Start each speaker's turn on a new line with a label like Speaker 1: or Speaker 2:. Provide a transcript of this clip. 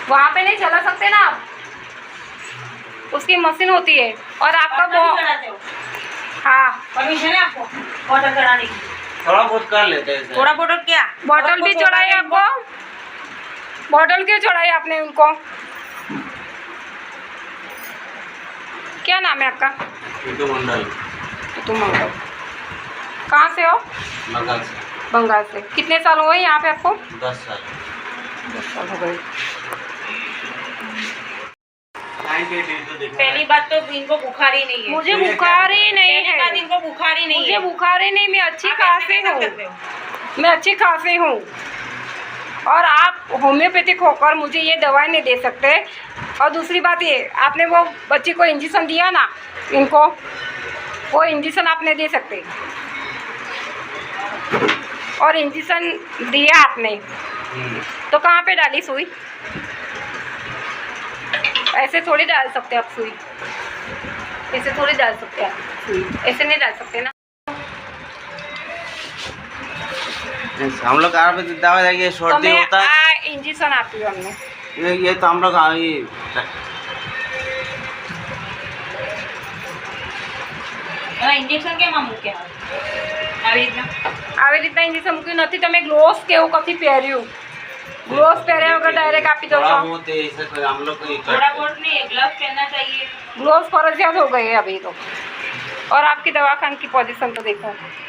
Speaker 1: वहाँ पे नहीं चला सकते ना आप, उसकी मशीन होती है। और आपका हाँ
Speaker 2: परमिशन है आपको बॉटल चढ़ाने की?
Speaker 3: थोड़ा बहुत कर लेते हैं।
Speaker 2: थोड़ा बॉटल क्या?
Speaker 1: बॉटल भी चढ़ाई आपको? बॉटल क्यों चढ़ाई आपने उनको? क्या नाम है आपका?
Speaker 3: टीटू मंडल।
Speaker 1: टीटू मंडल। कहाँ से हो?
Speaker 3: बंगाल से।
Speaker 1: बंगाल से। कितने साल हुए यहाँ पे आपको?
Speaker 3: 10 साल।
Speaker 1: 10 साल हो गए।
Speaker 2: पहली बात तो इनको बुखार ही नहीं है।
Speaker 1: मुझे बुखार ही नहीं
Speaker 2: पहली बात
Speaker 1: है।
Speaker 2: इनको बुखार ही नहीं
Speaker 1: मुझे
Speaker 2: है।
Speaker 1: बुखार ही नहीं, मैं अच्छी
Speaker 2: आप
Speaker 1: खांसी
Speaker 2: ऐसे
Speaker 1: हूँ।
Speaker 2: कैसे करते हो?
Speaker 1: मैं अच्छी खांसी हूँ और आप होम्योपैथिक होकर मुझे ये दवाई नहीं दे सकते। और दूसरी बात ये, आपने वो बच्ची को इंजेक्शन दिया ना, इनको वो इंजेक्शन आप नहीं दे सकते। और इंजेक्शन दिया आपने तो कहाँ पे डाली सुई? ऐसे थोड़ी डाल सकते आप सुई, ऐसे थोड़ी डाल सकते आप सुई, ऐसे नहीं डाल सकते ना।
Speaker 3: हम लोग आयुर्वेदिक दवा देंगे,
Speaker 1: तो
Speaker 3: सर्दी होता है।
Speaker 1: इंजेक्शन आपकी हमने
Speaker 3: ये तो हम लोग
Speaker 2: इंजेक्शन के मामू क्या
Speaker 1: આવી રીતના ઇન્જેક્શન મૂક્યું નથી। તમે ગ્લોવ્સ કે એવું કથી પહેર્યું? ग्लोव्स पहरे वगैरह डायरेक्ट आप ही दो।
Speaker 3: थोड़ा बहुत ऐसे कोई हम लोग को
Speaker 2: थोड़ा बहुत नहीं, ग्लव्स पहनना चाहिए।
Speaker 1: ग्लोव्स फर्जियात हो गए अभी तो। और आपकी दवाखान की पोजीशन तो देखो।